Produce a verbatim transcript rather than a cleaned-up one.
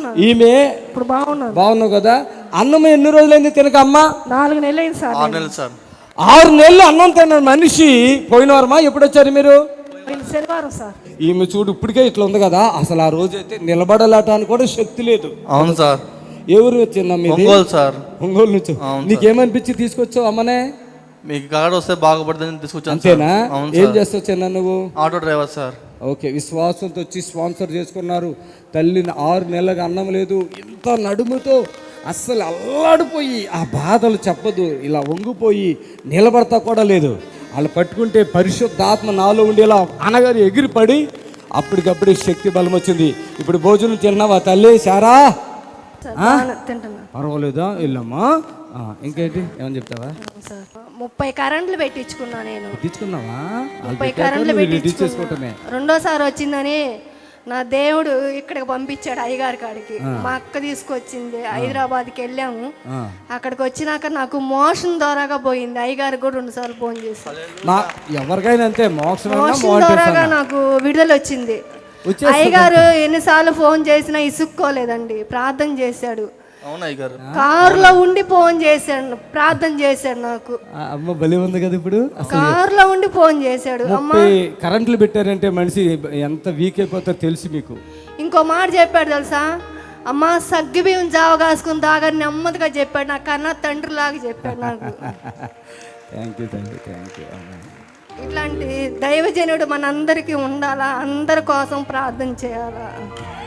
బాగున్నాను. ఈమె ఇప్పుడు బాగున్నాను. బాగున్నావు కదా. అన్నం ఎన్ని రోజులైంది తినక అమ్మ? నాలుగు నెలలు అయింది సార్. ఆరు నెలలు సార్. ఆరు నెలలు అన్నం తిన్న మనిషి పోయిన వారమా? ఎప్పుడు వచ్చారు మీరు? శనివారం సార్. ఈమె చూడు ఇప్పటికే ఇట్లా ఉంది కదా. అసలు ఆ రోజు అయితే నిలబడలాటానికి కూడా శక్తి లేదు. అవును సార్. ఎవరు వచ్చిందా? ఒంగోలు సార్. ఒంగోలు నుంచి. నీకేమనిపించి తీసుకొచ్చావు అమ్మనే? మీకు కార్డు వస్తే బాగుపడుతుందని తీసుకొచ్చాను. అంతేనా? ఏం చేస్తావు చిన్న నువ్వు? Auto driver sir. ఓకే, విశ్వాసంతో వచ్చి స్పాన్సర్ చేసుకున్నారు. తల్లిని ఆరు నెలలకు అన్నం లేదు, ఇంత నడుముతో అస్సలు అల్లాడిపోయి ఆ బాధలు చెప్పదు, ఇలా వంగిపోయి నిలబడతా కూడా లేదు. వాళ్ళు పట్టుకుంటే పరిశుద్ధాత్మ నాలో ఉండేలా అనగారు ఎగిరిపడి అప్పటికప్పుడే శక్తి బలం వచ్చింది. ఇప్పుడు భోజనం తిన్నావా తల్లి? సారా పర్వాలేదా? వెళ్ళమ్మా. ఇంకేంటి ఏమని చెప్తావా? ముప్పై కరెంట్లు పెట్టించుకున్నా నేను. పెట్టించుకున్నావా? ముప్పై కరెంట్లు పెట్టించుకుంటున్నా. రెండోసారి వచ్చిందని నా దేవుడు ఇక్కడికి పంపించాడు అయ్యగారి కాడికి. మా అక్క తీసుకొచ్చింది. హైదరాబాద్కి వెళ్ళాము. అక్కడికి వచ్చినాక నాకు మోషన్ ద్వారాగా పోయింది. అయ్యగారికి కూడా రెండు సార్లు ఫోన్ చేశాను. ఎవరికైనా అంతే, మోషన్ ద్వారాగా నాకు విడుదల వచ్చింది. అయ్యగారు ఎన్నిసార్లు ఫోన్ చేసినా ఇసుక్కోలేదండి, ప్రార్థన చేశాడు. కారులో ఉండి ఫోన్ చేశాడు, ప్రార్థన చేశాడు. నాకు అమ్మ బలి ఉంది కదా. ఇప్పుడు కారులో ఉండి ఫోన్ చేశాడు. అమ్మ కరెంట్లు పెట్టారంటే మనిషి ఎంత వీక్ అయిపోతారో తెలుసు మీకు. ఇంకో మాట చెప్పాడు తెలుసా? అమ్మ సగ్గి బియ్యం జావ కాసుకుని తాగని నెమ్మదిగా చెప్పాడు. నాకు కన్నా తండ్రి లాగా చెప్పాడు నాకు. Thank you thank you thank you. ఇట్లాంటి దైవజనుడు మనందరికీ ఉండాలా, అందరి కోసం ప్రార్థన చేయాలా.